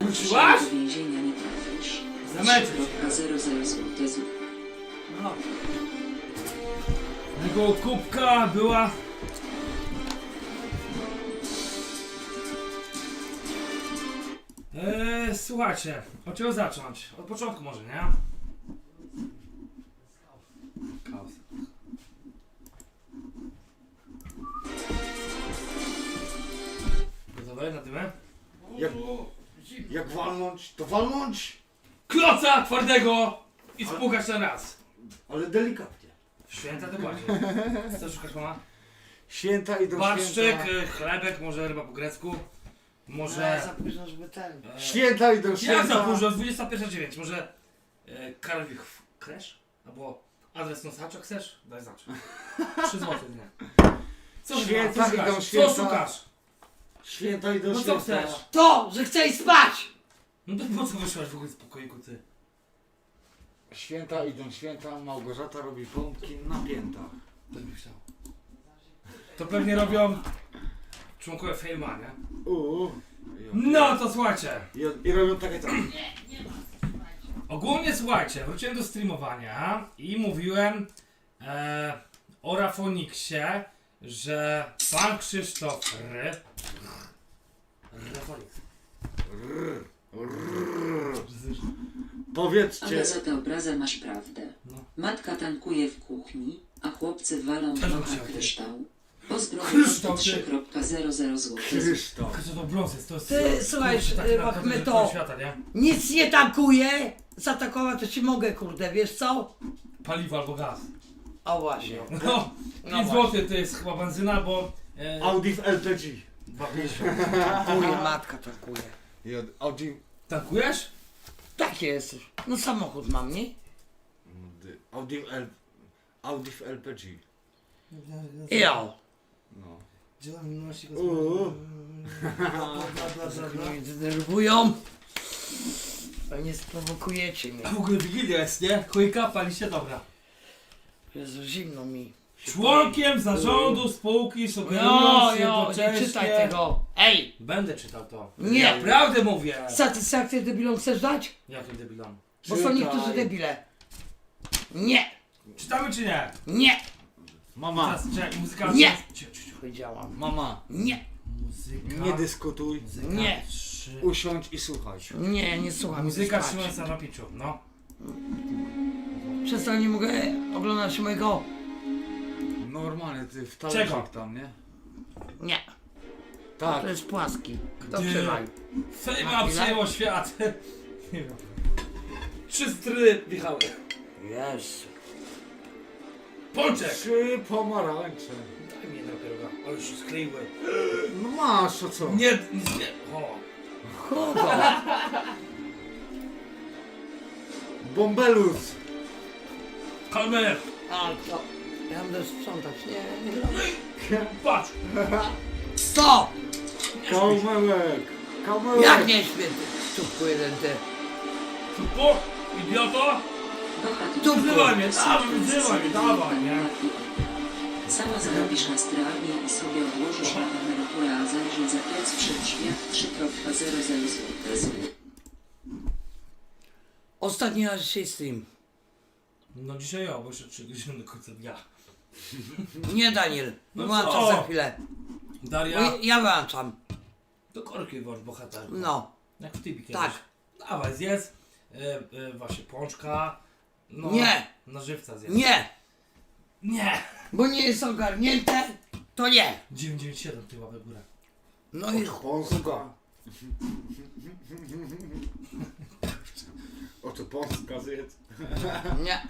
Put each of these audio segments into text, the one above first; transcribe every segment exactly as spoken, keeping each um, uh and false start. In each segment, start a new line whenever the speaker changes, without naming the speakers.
Wróciłaś?
Do więzienia nie trafisz.
Zamęczyć.
zero zero zł.
No. Tego kubka była... Eee, słuchajcie, od czego zacząć? Od początku może, nie? Chaos. Gotowe na tyle?
Jak, jak walnąć, to walnąć,
Kloca twardego i spłukać na raz.
ale delikatnie.
W święta to bardziej. Co szukasz, mama?
Święta i do
Barszczyk,
święta.
y, chlebek, może ryba po grecku.
No,
Może...
za późno, żeby ten.
e,
Święta i do święta.
Jak za późno? dwudziesta pierwsza dziewięć. Może e, Karolich Kresz? Albo adres nosacza chcesz? Daj znać. trzy złote, nie. Co
Święta
szukasz?
idą
Co
święta.
szukasz?
Święta i do
No co
święta.
chcesz?
To, że chcesz spać!
No to po co wyszłaś w ogóle z pokoiku, ty?
Święta idą święta, Małgorzata robi pompki na piętach.
To bym chciał. To pewnie robią członkowie Fejma, nie?
Uuu.
No to słuchajcie.
I, I robią takie tak.
Ogólnie słuchajcie, wróciłem do streamowania i mówiłem e, o Rafoniksie, że pan Krzysztof R. Rafonix.
Powiedzcie.
Ale za tę obrazę masz prawdę.
No.
Matka tankuje w kuchni, a chłopcy walą
Też bym
trochę
chciał, ty.
kryształ. Pozdrowienia
Kryształ, ty.
trzy zero zero zł.
Krzysztof.
Tylko to brąz jest, to jest...
Ty, słuchaj,
kurczę, taki
y,
naprawdę
Machmeto.
żartowny świata, nie?
Nic nie tankuje! Zaatakować to ci mogę, kurde, wiesz co?
Paliwo albo gaz.
O właśnie.
No,
No
pięć
właśnie.
złotych to jest chyba benzyna, bo... E,
Audi w L P G.
dwa pięćdziesiąt.
Tankuje, matka tankuje.
I od Audi...
Tankujesz?
Tak jesteś. No samochód mam, nie?
Audi w L... Audi w L P G.
Ja.
No.
Uuu.
Mnie denerwują. Nie sprowokujecie mnie.
A w ogóle Wigilia jest, nie? Chujka, pali się, dobra.
Jezu, zimno mi.
Członkiem zarządu spółki
Jo,
sugerując
jo, nie
jednocześnie...
czytaj tego. Ej!
Będę czytał to.
Nie.
Ja prawdę mówię.
Satysfakcję debilom chcesz dać?
Jakim debilom?
Bo są niektórzy debile. Nie!
Czytamy czy nie?
Nie!
Mama,
Teraz, czekaj, muzyka...
Nie.
Cicho, cicho.
Powiedziałam.
mama,
Nie!
Muzyka...
nie dyskutuj,
Muzyka
Nie.
trzy...
usiądź i słuchaj.
Nie, nie słucham.
Muzyka
chcę spać.
trzymająca na piciu, no.
Przez to nie mogę oglądać mojego.
Normalnie, ty w
Czego?
talerzyk tam, nie?
Nie.
Tak.
To jest płaski. Kto
Ty.
przywalił?
Fejma
Na chwilę?
przejęło świat. Nie wiem. Trzy stry wjechały.
Jezu.
Pączek!
Trzy pomarańcze.
Daj mi jednego pieroga, ale już się skleiły.
No masz, a co?
Nie, nic nie... O.
Kogo?
Bombelus.
Kalmer!
A to. Ja będę sprzątać. Nie, nie.
Patrz!
Co?
Kałmełek. Kałmełek.
Jak nie świetny? Czubku jeden ty.
Super! Idioto!
Tu
Wzywaj mnie, dawaj, wzywaj mnie, dawaj, nie?
Sama zarobisz na stralnie i sobie odłożysz na emeryturę, a zajrzyj za plec przed drzwiach trzy zero zero zł.
Ostatni raz dzisiaj stream.
No dzisiaj ja, bo jeszcze trzy godziny do końca dnia.
Nie Daniel.
No
Wyłączam
co?
za chwilę. Bo
Daria,
ja- ja wyłączam.
to korki wasz bohater.
No.
Jak w typie kiedyś.
Tak.
Dawaj, zjedz. E, e, właśnie pączka. No,
Nie.
Na żywca zjedz.
Nie.
Nie!
Bo nie jest ogarnięte. To nie.
dziewięć dziewięć siedem ty łapę w górę.
No i
Polska. Oto Polska zjedz.
nie.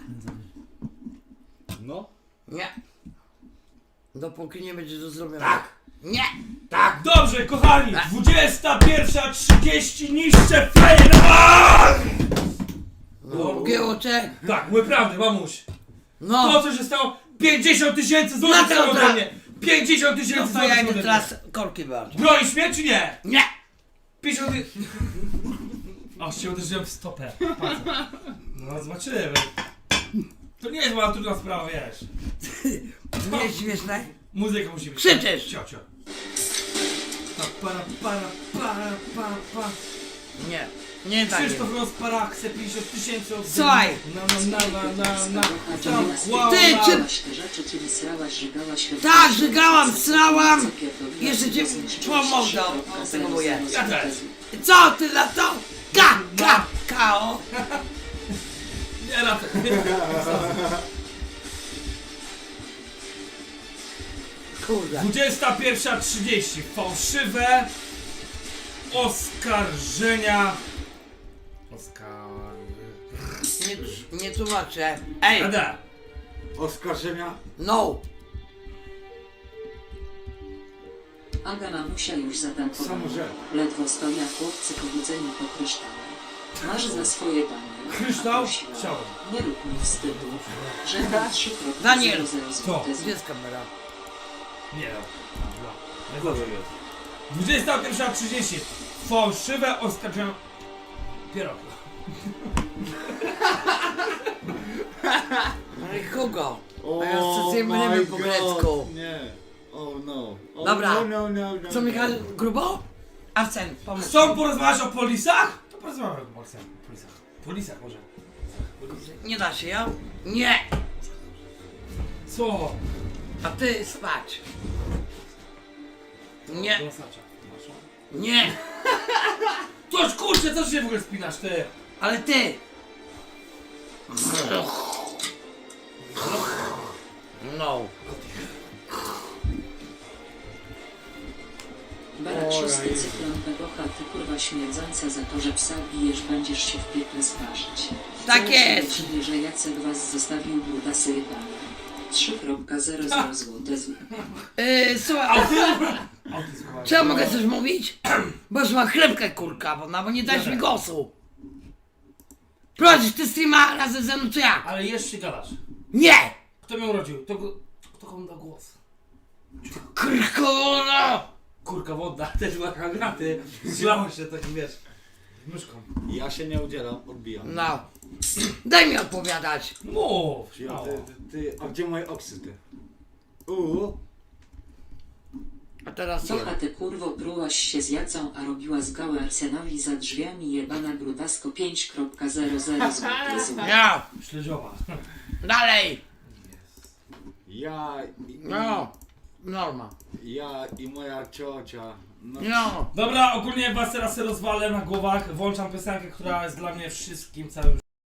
No.
Nie. Dopóki nie będzie to zrobione.
Tak.
Nie.
Tak.
Dobrze, kochani! dwudziesta pierwsza trzydzieści niszcze fejna!
No, Giełocze.
Tak, mówię prawdę, mamuś. To
No.
co się stało? pięćdziesiąt tysięcy złotych
No to
stało ode
tak.
mnie! pięćdziesiąt
No
tysięcy
to ja
złotych
idę
ode mnie!
teraz korki wyłączam.
Bronisz mnie czy nie?
Nie.
pięćdziesiąt ty... Aż się uderzyłem w stopę. Patrz. No zobaczymy. To nie jest była trudna sprawa, wiesz.
Nie jest śmieszne?
Muzyka musi być.
Krzyczysz.
Cio, cio. Pa, para, para, para, pa, pa.
Nie, nie tak.
Krzysztof Rozpara chce pięćdziesiąt tysięcy od
Słuchaj.
Na, na, na, na, na, na.
Ty,
Tam, wow,
Ty,
wow.
czy-
te rzeczy, czyli srałaś, żygałaś...
Tak, żygałam, srałam.
Zapierdoliłaś,
Jeszcze cię
dosyć
pomogę,
trzy kropka zero
spróbuję.
zero
Ja też.
Co ty na to? Ka, ka, kao.
Nie, na to.
Kurde.
dwudziesta pierwsza trzydzieści. Fałszywe oskarżenia. Oskar...
Nie, nie tłumaczę. Ej,
Ada.
Oskarżenia?
no.
Aga mamusia już zatankowała.
Samożel.
Ledwo stoją chłopcy pobudzeni po kryształach. Masz za swoje dane.
Kryształ?
Prosiła.
Chciałem.
Nie rób mi wstydu. Że mam trzy kropka
Daniel.
zero zero złote
Gdzie jest kamera?
Nie no. dwudziesta pierwsza trzydzieści. Fałszywe oskarżenia. Pierogi.
No i kogo?
O
A ja chcę
my
nie po
God.
grecku.
Nie. Oh no. Oh,
Dobra.
No, no, no, no,
Co
no.
Michał, grubo? Arsen, pomóż.
Chcą porozmawiać o polisach? To porozmawiamy o polisach. Polisach. Polisach może.
Nie da się, ja? Nie.
Co?
A ty spać. Nie,
Do Nosacza.
nie.
Toż kurczę, co się w ogóle spinasz ty?
Ale ty. No.
Barak
Oj.
szósty cyklon Pegocha, ty kurwa śmierdząca za to, że psa bijesz, będziesz się w piekle sparzyć.
Tak
Wcale się
jest.
nie dziwię, że Jacek was zostawił brudasy jebane. trzy kropka zero zero złote z...
Yy, słuchaj,
Autyzm.
czy ja mogę coś mówić? Bo już mam chlebkę kurka, bo, no, bo nie dałeś mi głosu. Prowadzisz ty streama razem ze mną, czy jak?
Ale jeszcze gadasz.
Nie!
Kto mnie urodził? Kto, go- kto komu dał głos?
Kurkola!
Kurka wodna, też była granaty. Zlało się takim, wiesz, myszką.
Ja się nie udzielam, odbijam.
No. Daj mi odpowiadać.
Mów!
Ja,
śmiało.
ty, ty, ty, a gdzie moje oksy, ty? Uuu.
A teraz co?
Cocha ty kurwo prułaś się z Jacą, a robiła z gałę Arsenowi za drzwiami jebana brudasko pięć kropka zero zero złote z...
Ja.
Śledziowa.
Dalej.
Ja i,
No. Norma.
ja i moja ciocia. No,
No.
Dobra, ogólnie was teraz rozwalę na głowach. Włączam piosenkę, która jest dla mnie wszystkim, całym